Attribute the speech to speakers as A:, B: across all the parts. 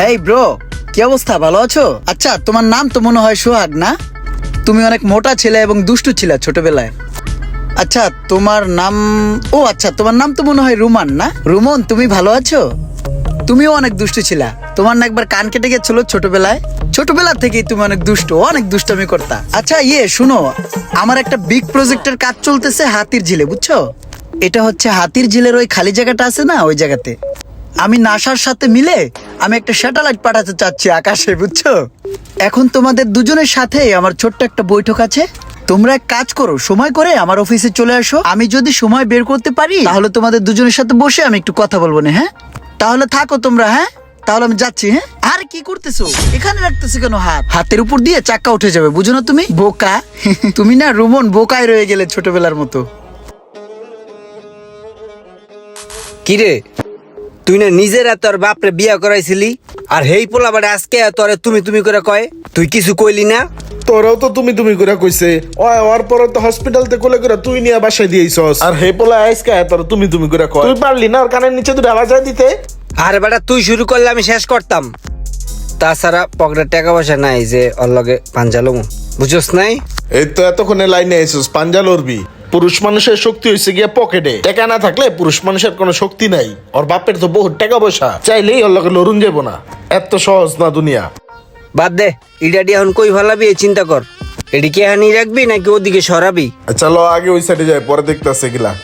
A: Hey bro, কি অবস্থা? ভালো আছো? আচ্ছা, তোমার নাম তো মনে হয় সোহাগ না? তুমি অনেক মোটা ছিলে এবং দুষ্টু ছিলে ছোটবেলায়। আচ্ছা, তোমার নাম আচ্ছা, তোমার নাম তো মনে হয় রুমান না? রুমন, তুমি ভালো আছো? তুমিও অনেক দুষ্টু ছিলা। তোমার না একবার কান কেটে গেছিল ছোটবেলায়? ছোটবেলা থেকেই তুমি অনেক দুষ্টুমি করতা। আচ্ছা শুনো, আমার একটা বিগ প্রজেক্টের কাজ চলতেছে হাতির ঝিলে, বুঝছো? এটা হচ্ছে হাতির ঝিলের ওই খালি জায়গাটা আছে না, ওই জায়গাতে আমি নাসার সাথে মিলে আমি একটা স্যাটেলাইট পাঠাতে চাচ্ছি আকাশে, বুঝছো? এখন তোমাদের দুজনের সাথে আমার ছোট্ট একটা বৈঠক আছে। তোমরা এক কাজ করো, সময় করে আমার অফিসে চলে আসো। আমি যদি সময় বের করতে পারি তাহলে তোমাদের দুজনের সাথে বসে আমি একটু কথা বলবো না? হ্যাঁ, তাহলে থাকো তোমরা। হ্যাঁ, তাহলে আমি যাচ্ছি। হ্যাঁ, আর কি করতেছো এখানে? রাখতেছো কেন হাত? হাতের উপর দিয়ে চাক্কা উঠে যাবে, বুঝো না তুমি? বোকা তুমি না রুমন, বোকায় রয়ে গেলে ছোটবেলার মতো।
B: কিরে, তুই না নিজের তোর বাপরে বিয়া করাইছিলি, আর হেই পোলা বাড়ে আজকে তোরে তুমি তুমি করে কয়? তুই কিছু কইলি না?
C: তোরাও তো তুমি তুমি করে কইছে। ওর পরে তো হসপিটাল তে কোলে করে তুই নিয়ে বাসায় দিয়েছস, আর হে পোলা আইসকা তোর তুমি তুমি করে কয়। তুই পারলি না ওর কানের নিচে দুটো বাজায় দিতে?
B: আর বেটা তুই শুরু করলে আমি শেষ করতাম। তাছাড়া পকেটে টাকা পয়সা নাই যে ওর লগে পাঞ্জালুম, বুঝছস নাই?
C: এই তো এতক্ষণে লাইনে আইছস, পাঞ্জা লড়বি। পুরুষ মানুষের শক্তি হয়েছে গিয়া পকেটে। টাকা না থাকলে পুরুষ মানুষের কোনো শক্তি নাই। ওর বাপের তো বহুত টাকা পয়সা, চাইলেই ওর লগে লড়ুন যাবো না। এত সহজ না দুনিয়া।
B: বাদ দে, ইডাডি এখন কই ফেলাবি এই চিন্তা কর। এদিকে হানি রাখবি নাকি ওদিকে সরাবি?
C: চলো আগে ওই সাইডে যাই, পরে দেখতেছে গিলা।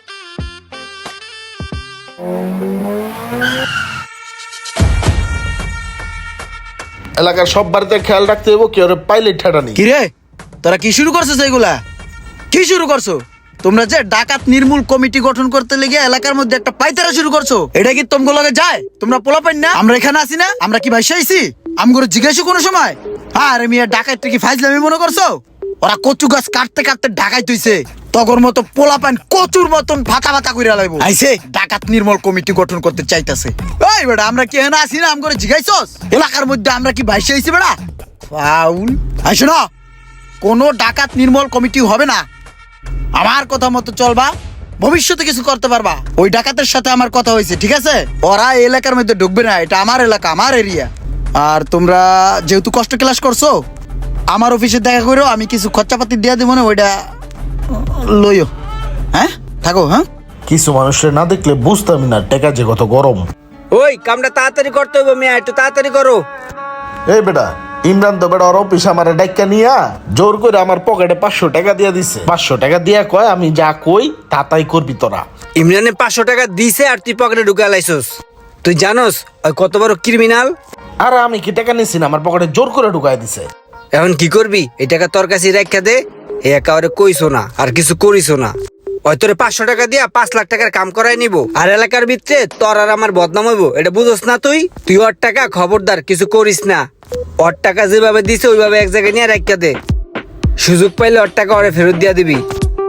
C: এলাকার সব বাড়িতে খেয়াল রাখতে হইব, কেউ পাইলট ঠাটানি।
A: কিরে, তোরা কি শুরু করছো? এগুলা কি শুরু করছো? তোমরা যে ডাকাত নির্মূল কমিটি গঠন করতে লেগে এলাকার মধ্যে একটা পাইতারা শুরু করছো, এটা কি তোমগো লগে যায়? তোমরা পোলা পাইন না? আমরা এখানে আছি না? আমরা কি ভাইসা আইছি? আমগরে জিজ্ঞাসা কোনো সময়? আরে মিয়া, ডাকাত কি ফাইজলামি মনে করছো? ওরা কচু গাছ কাটতে কাটতে ঢাকাই তুইছে, তগর মতো পোলা পাইন কচুর মতন ফাতা ফাতা কইরা লাইবো। আইছে ডাকাত নির্মূল কমিটি গঠন করতে চাইতাছে। এই বেটা, আমরা কি এখানে আছি না? আমগরে জিজ্ঞাইছস? এলাকার মধ্যে আমরা কি ভাইসা আইছি বেটা? ফাউল। আইসো না, কোনো ডাকাত নির্মূল কমিটি হবে না। আমার কথা মতো চলবা, ভবিষ্যতে কিছু করতে পারবা। ওই ডাকাতের সাথে আমার কথা হয়েছে, ঠিক আছে? ওরা এই এলাকার মধ্যে ঢুকবে না, এটা আমার এলাকা, আমার এরিয়া। আর তোমরা যেহেতু কষ্ট ক্লাস করছো, আমার অফিসে দেখা করো, আমি কিছু খরচাপাতি দিয়ে দিব না, ওইটা লইও। হ্যাঁ, থাকো। হ্যাঁ,
C: কিছু মানুষের না দেখলে বুঝতামই না টেকা যে কত গরম।
B: ওই কামটা তাড়াতাড়ি করতে হইব মিয়া, একটু তাড়াতাড়ি করো।
C: এই বেটা, ইমরান তো বেটা ওর অফিস আমার ডাক্কা নিয়া জোর করে আমার পকেটে 500 টাকা দিয়া দিছে। 500 টাকা দিয়া কয় আমি যা কই তাই করবি তোরা।
B: ইমরানে 500 টাকা দিছে আর তুই পকেটে ঢুকা লাইছস। তুই জানোস ওই কত বড় ক্রিমিনাল?
C: আর আমি কি টাকা নিছি না, আমার পকেটে জোর করে ঢুকাই দিছে।
B: এখন কি করবি? এই টাকা তোর কাছে রাখা দে। এই একেবারে কইছো না আর কিছু করিস না। ওই তোরে 500 টাকা দিয়া 5 লাখ টাকার কাম করাই নিব, আর এলাকার ভিতরে তোর আর আমার বদনাম হইব, এটা বুঝোস না তুই? তুই ওর টাকা খবরদার কিছু করিস না। ওর টাকা যেভাবে দিছে ওইভাবে এক জায়গায় নিয়ে রাখা দে। সুযোগ পাইলে ওর টাকা ওরে ফেরত দিয়া দিবি।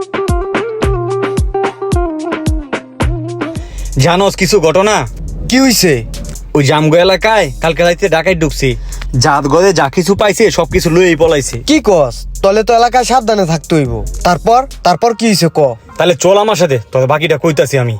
D: জানোস কিছু ঘটনা?
A: কি হইছে?
D: ওই জামগো এলাকায় কালকে রাইতে ডাকাই ঢুকছি। জাত গদে যা কিছু পাইছে সবকিছু লইই পলাইছে।
E: কি কস? তলে তো এলাকায় সাবধানে থাকতে হইব। তারপর কি হইছে ক?
D: তাহলে চল আমার সাথে, তবে বাকিটা কইতাছি আমি।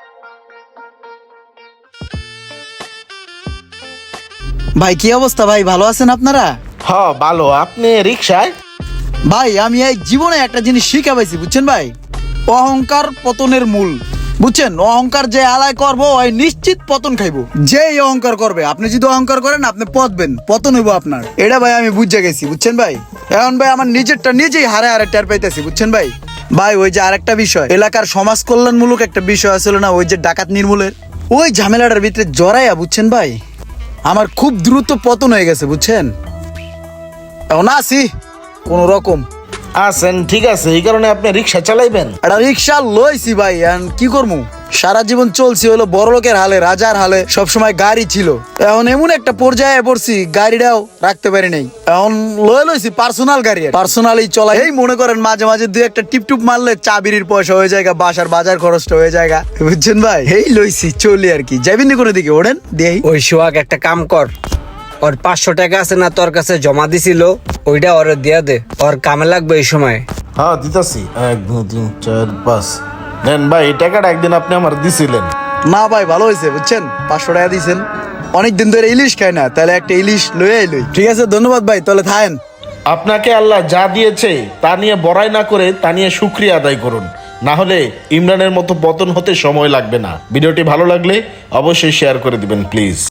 A: ভাই কি অবস্থা? ভাই ভালো আছেন আপনারা?
C: হ্যাঁ ভালো। আপনি রিক্সায়?
A: ভাই আমি এই জীবনে একটা জিনিস শিখা পাইছি, বুঝছেন ভাই? অহংকার পতনের মূল, বুঝছেন? অহংকার যে আলায় করবো ওই নিশ্চিত পতন খাইবো। যেই অহংকার করবে, আপনি যদি অহংকার করেন আপনি পতবেন, পতন হইব আপনার। এটা ভাই আমি বুঝে গেছি, বুঝছেন ভাই? এখন ভাই আমার নিজেরটা নিজেই হারে হারে টের পাইতেছি, বুঝছেন ভাই? ভাই ওই যে আরেকটা বিষয়, এলাকার সমাজ কল্যাণমূলক একটা বিষয় আসলে না, ওই যে ডাকাত নির্মূলের ওই ঝামেলাটার ভিতরে জড়াইয়া, বুঝছেন ভাই, আমার খুব দ্রুত পতন হয়ে গেছে, বুঝছেন? এখন আসি কোন রকম।
C: আছেন ঠিক আছে, এই কারণে আপনি রিক্সা চালাইবেন?
A: একটা রিক্সা লইছি ভাই, এখন কি করবো? সারা জীবন চলছি হলো বড় লোকের হালে, রাজার হালে, সবসময় গাড়ি ছিল। এখন এমন একটা পর্যায়ে পড়ছি গাড়িটাও রাখতে পারি নাই। এখন লইছি পার্সোনাল গাড়ি, পার্সোনালি চলাই। এই মনে করেন মাঝে মাঝে দুই একটা টিপটুপ মারলে চা বিড়ির পয়সা হয়ে যায়, বাসার বাজার খরচটা হয়ে যায়, বুঝছেন ভাই? এই লইছি চলি আর কি। যাবেন কোনো দিকে? ওড়েন দেই।
B: ওই সোহাগ একটা কাম কর, ওর 500 টাকা আছে না তোর কাছে জমা দিছিল, ওইটা ওরে দিয়া দে, ওর কামে লাগবে এই সময়।
C: হ্যাঁ দিতাছি। 1 2 3 4 5 নেন ভাই, এই টাকাটা একদিন আপনি আমার দিছিলেন।
A: না ভাই, ভালো হয়েছে, বুঝছেন? 500 টাকা দিয়েছেন, অনেক দিন ধরে ইলিশ খায় না, তাহলে একটা ইলিশ লয়ে এলই। ঠিক আছে, ধন্যবাদ ভাই, তাহলে থাকেন।
C: আপনাকে আল্লাহ যা দিয়েছে তা নিয়ে বড়াই না করে তা নিয়ে শুকরিয়া আদায় করুন, না হলে ইমরানের মতো পতন হতে সময় লাগবে না। ভিডিওটি ভালো লাগলে অবশ্যই শেয়ার করে দিবেন প্লিজ।